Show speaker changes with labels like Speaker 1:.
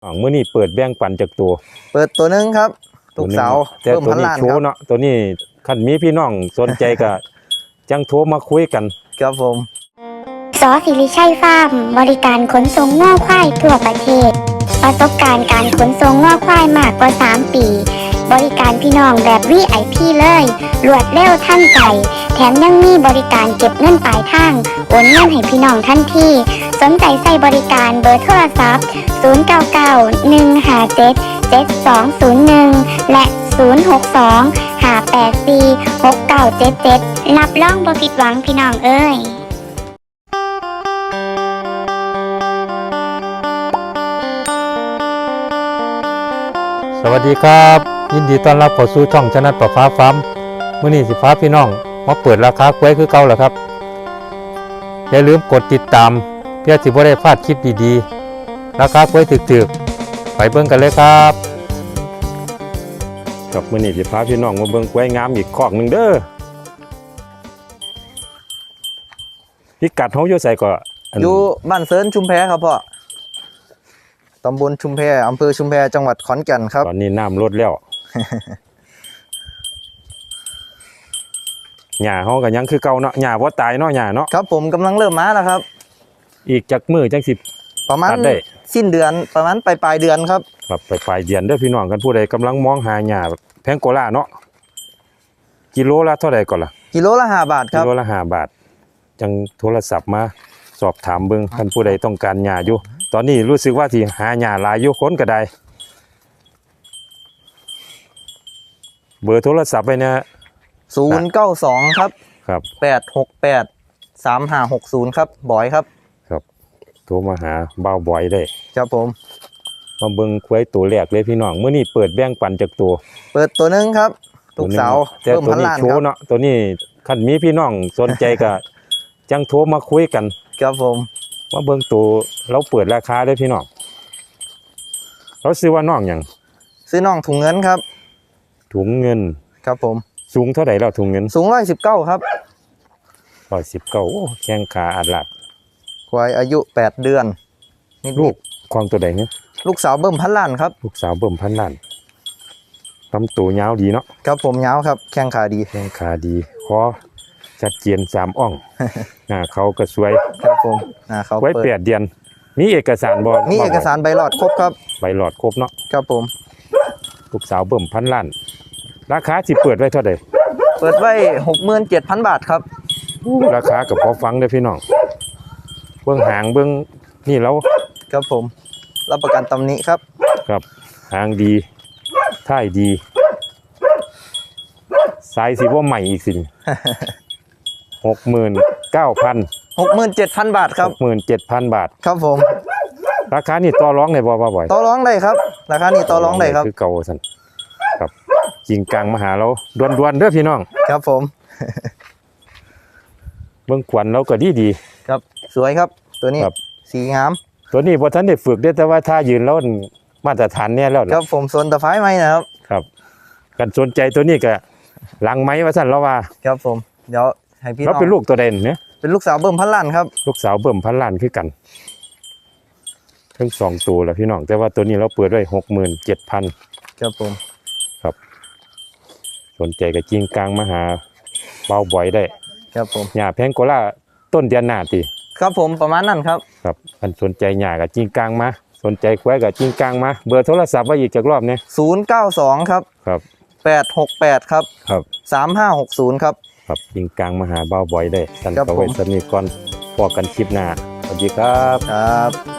Speaker 1: มื้อนี้เปิดแบ่งปันจากตัว
Speaker 2: เปิดตัวนึงครับลูกสาว
Speaker 1: แต่ตัวนี้โชว์เนาะตัวนี้คันมีพี่น้องสนใจก็จังโทรมาคุยกัน
Speaker 2: ครับผม
Speaker 3: สศิริชัยฟาร์มบริการขนส่งง้อควายทั่วประเทศประสบการณ์การขนส่งง้อควายมากกว่า3 ปีบริการพี่น้องแบบ VIP เลยรวดเร็วทันใจแถมยังมีบริการเก็บเงินปลายทางโอนเงินให้พี่น้องทันทีสนใจใส่บริการเบอร์โทรศัพท์0991577201และ062-584-6977รับรองบ่ผิดหวังพี่น้องเอ้ย
Speaker 1: สวัสดีครับยินดีต้อนรับเข้าสู่ช่องชนะประฟ้าฟาร์มมื้อนี้สิพาพี่น้องมาเปิดราคากล้วยคือเก่าแล้วครับอย่าลืมกดติดตามเพื่อสิบ่ได้พลาดคลิปดีๆราคากล้วยถึกๆไปเบิ่งกันเลยครับกับมื้อนี้สิพาพี่น้องมาเบิ่งกล้วยงามอีกคอกนึงเด้อพิกัดเฮาอยู่ไสก็
Speaker 2: อยู่บ้านเซิร์นชุมแพครับพ่อตำบลชุมแพอำเภอชุมแพจังหวัดขอนแก่นครับ
Speaker 1: ตอนนี้น้ำลดแล้ว หญ้าเฮาก็ยังคือเก่าเนาะหญ้าบ่ตายเนาะหญ้าเนาะ
Speaker 2: ครับผมกำลังเริ่มมาแล้วครับ
Speaker 1: อีกจักมื้อจังสิ
Speaker 2: ประมาณสิ้นเดือนประมาณปลายเดือนครับ
Speaker 1: ครับปลายเดือนเด้อพี่น้องกันผู้ใดกำลังมองหาหญ้าแพงโกล่าเนาะกิโลละเท่าใดก่อนล่ะ
Speaker 2: กิโลละ5 บาทครับ
Speaker 1: กิโลละ5 บาทจังโทรศัพท์มาสอบถามเบิ่งคันผู้ใดต้องการหญ้าอยู่ตอนนี้รู้สึกว่าที่หาหญ้าหลายอยู่คนก็ได้เบอร์โทรศัพท์ไปนะ
Speaker 2: 092ครับ
Speaker 1: ครับ
Speaker 2: 8683560ครับบอยครับ
Speaker 1: ครับโทรมาหาบ่าวบอยได้
Speaker 2: ครับผม
Speaker 1: มาเบิ่งควายตัวแรกเลยพี่น้องมื้อนี้เปิดแบ่งปันจากตัว
Speaker 2: เปิดตัวนึงครับลูกสาว
Speaker 1: เพิ่มพันล้านครับเนาะตัวนี้คันมีพี่น้องสนใจก็จังโทรมาคุยกัน
Speaker 2: ครับผม
Speaker 1: มาเบิ่งตัวเราเปิดราคาได้พี่น้องเราซื้อว่าน้องหยัง
Speaker 2: ซื้อน้องถุงเงินครับ
Speaker 1: ถุงเงิน
Speaker 2: ครับผม
Speaker 1: สูงเท่าไหร่แล้วถุงเงิน
Speaker 2: สูง119ครับ
Speaker 1: 119โอ้แข้งขาอัดลัด
Speaker 2: ควายอายุ8 เดือน
Speaker 1: ลูกควางตัวใดเนี่ย
Speaker 2: ลูกสาวเบิ่มพันล้านครับ
Speaker 1: ลูกสาวเบิ่มพันล้านลำตัวยาวดีเนาะ
Speaker 2: ครับผมยาวครับแข้งขาดี
Speaker 1: แข้งขาดีคอชัดเจน3 อ่อง หน้าเขาก็สวย
Speaker 2: ครับผมหน้าเขา
Speaker 1: ไว้8 เดือนมีเอกสารบ่
Speaker 2: มีเอกสารใบหลอดครบครับ
Speaker 1: ใบหลอดครบเนาะ
Speaker 2: ครับผม
Speaker 1: ลูกสาวเบิ่มพันล้านราคาสิเปิดไว้เท่าใด
Speaker 2: เปิดไว้ 67,000 บาทครับ
Speaker 1: ราคากับพอฟังได้พี่น้องเบื้องหางเบื้องนี่แล้ว
Speaker 2: ครับผมรับประกันตำหนิครับ
Speaker 1: ครับหางดีท่ายดีสายสิว่าใหม่อีกสิ
Speaker 2: 67,000 บาทครับ
Speaker 1: 67,000 บาท
Speaker 2: ครับผม
Speaker 1: ราคานี่ต่อร้องได้บ่บ่อย
Speaker 2: ต่อร้องได้ครับราคานี่ต่อร้องได้ครับ
Speaker 1: คือเก่าซั่นครับจริงกลางมาหาเราด่วนๆเด้อพี่น้อง
Speaker 2: ครับผม
Speaker 1: เบิ่งขวัญเราก็ดี
Speaker 2: ครับสวยครับตัวนี้สีงาม
Speaker 1: ตัวนี้บ่ทันได้ฝึกเด้อแต่ว่าถ้ายืนแล้วมาตรฐานเนี่ยแล้ว
Speaker 2: ครับผมโซนตะไคร้ไหมนะครับ
Speaker 1: ครับกันสนใจตัวนี้ก็หลังไม้ว่าซั่นเราว่า
Speaker 2: ครับผมเดี๋ยวให้พี่น้อง
Speaker 1: เราเป็นลูกตัวใดเนี่ย
Speaker 2: เป็นลูกสาวเบิ่มพันล้านครับ
Speaker 1: ลูกสาวเบิ่มพันล้านคือกันทั้ง2 ตัวแล้วพี่น้องแต่ว่าตัวนี้เราเปิดไว้67,000
Speaker 2: ครับผม
Speaker 1: ครับสนใจก็จริงกลางมาหาเบาบ่อยได้
Speaker 2: ครับผม
Speaker 1: หญ้าแพงโกล่าต้นเดือนหน้าติ
Speaker 2: ครับผมประมาณนั้นครับ
Speaker 1: ครับอันสนใจหญ้าก็จริงกลางมาสนใจควายก็จริงกลางมาเบอร์โทรศัพท์ว่าอีกจักรอบเนี่ย
Speaker 2: 092ครับ
Speaker 1: ครับ
Speaker 2: 868ครับ
Speaker 1: ครับ
Speaker 2: 3560ครับ
Speaker 1: ครับจริงกลางมาหาเบาบ่อยได้กันก็ไว้สนิทก่อนพอกันคลิปหน้าสวัสดีครับ
Speaker 2: ครับ